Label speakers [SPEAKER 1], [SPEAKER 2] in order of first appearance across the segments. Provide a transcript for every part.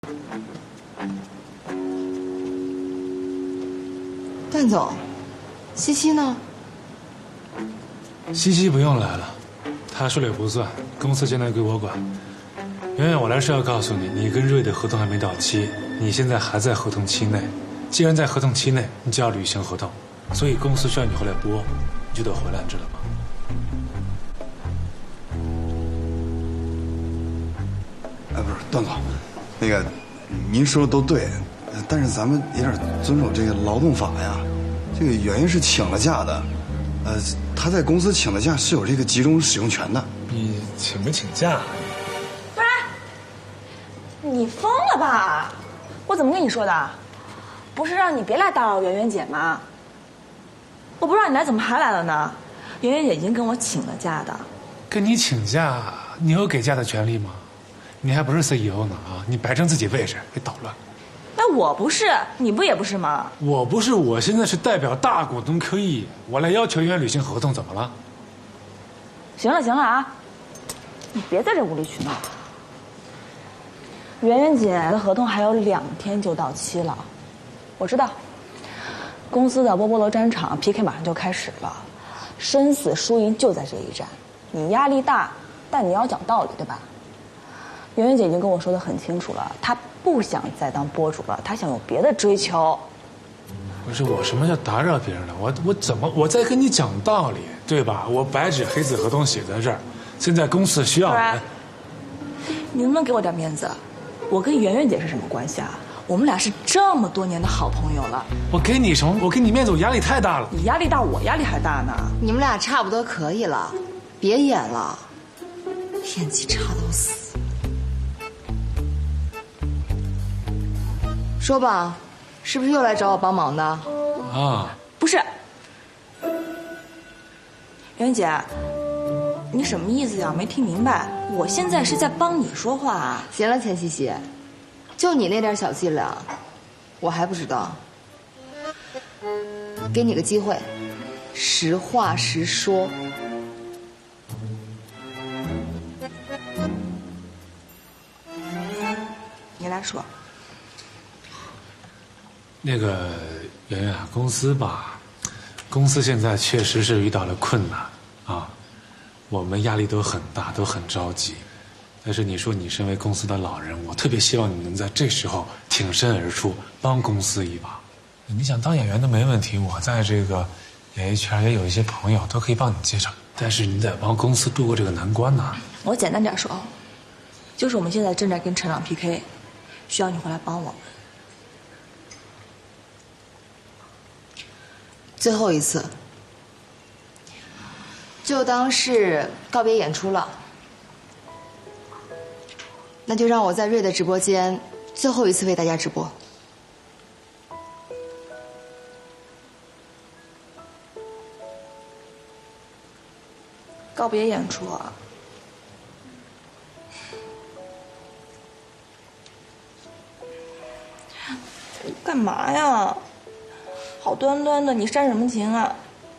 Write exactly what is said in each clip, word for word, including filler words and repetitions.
[SPEAKER 1] 段总，西西呢？
[SPEAKER 2] 西西不用来了，她说了也不算，公司现在归我管。圆圆，我来是要告诉你，你跟瑞的合同还没到期，你现在还在合同期内。既然在合同期内，你就要履行合同，所以公司需要你回来拨，你就得回来，知道吗？
[SPEAKER 3] 哎，不是段总，那个您说的都对，但是咱们也得遵守这个劳动法呀。这个圆圆是请了假的，呃，她在公司请的假是有这个集中使用权的。
[SPEAKER 2] 你请没请假？
[SPEAKER 4] 不是，你疯了吧？我怎么跟你说的？不是让你别来打扰圆圆姐吗？我不让你来，怎么还来了呢？圆圆姐已经跟我请了假的。
[SPEAKER 2] 跟你请假，你有给假的权利吗？你还不是 C E O 呢啊！你摆正自己位置，别捣乱。
[SPEAKER 4] 那我不是，你不也不是吗？
[SPEAKER 2] 我不是，我现在是代表大股东 Q E， 我来要求圆圆履行合同，怎么了？
[SPEAKER 4] 行了行了啊，你别在这无理取闹。圆圆姐的合同还有两天就到期了，我知道。公司的波波罗战场 P K 马上就开始了，生死输赢就在这一战。你压力大，但你要讲道理，对吧？圆圆姐已经跟我说得很清楚了，她不想再当播主了，她想有别的追求。
[SPEAKER 2] 不是我什么叫打扰别人了？我我怎么我在跟你讲道理，对吧？我白纸黑字合同写在这儿，现在公司需要人。
[SPEAKER 4] 你能不能给我点面子？我跟圆圆姐是什么关系啊？我们俩是这么多年的好朋友了。
[SPEAKER 2] 我给你什么？我给你面子，我压力太大了。
[SPEAKER 4] 你压力大，我压力还大呢。
[SPEAKER 1] 你们俩差不多可以了，别演了，演技差到死。说吧，是不是又来找我帮忙的？
[SPEAKER 2] 啊，
[SPEAKER 4] 不是，圆圆姐，你什么意思呀？没听明白。我现在是在帮你说话啊。
[SPEAKER 1] 行了，钱西西，就你那点小伎俩，我还不知道。给你个机会，实话实说。
[SPEAKER 4] 你来说。
[SPEAKER 2] 那个圆圆啊，公司吧，公司现在确实是遇到了困难啊，我们压力都很大，都很着急。但是你说你身为公司的老人，我特别希望你能在这时候挺身而出，帮公司一把。你想当演员都没问题，我在这个演艺圈也有一些朋友，都可以帮你介绍。但是你得帮公司渡过这个难关呐。
[SPEAKER 4] 我简单点说，就是我们现在正在跟陈长 P K， 需要你回来帮我们。
[SPEAKER 1] 最后一次，就当是告别演出了。那就让我在瑞的直播间最后一次为大家直播。
[SPEAKER 4] 告别演出啊？干嘛呀？好端端的，你煽什么情啊？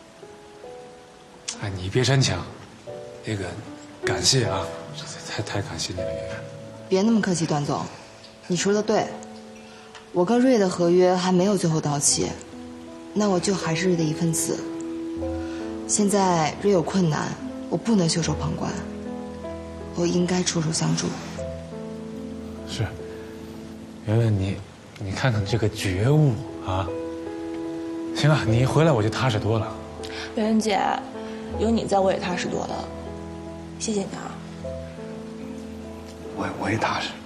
[SPEAKER 2] 哎，你别煽情。那个，感谢啊，太太感谢你了，圆圆。
[SPEAKER 1] 别那么客气，段总，你说的对，我跟瑞的合约还没有最后到期，那我就还是瑞的一份子。现在瑞有困难，我不能袖手旁观，我应该出手相助。
[SPEAKER 2] 是，圆圆，你你看看这个觉悟啊！行了，你一回来我就踏实多了。
[SPEAKER 4] 圆圆姐，有你在我也踏实多了，谢谢你啊。
[SPEAKER 3] 我我也踏实。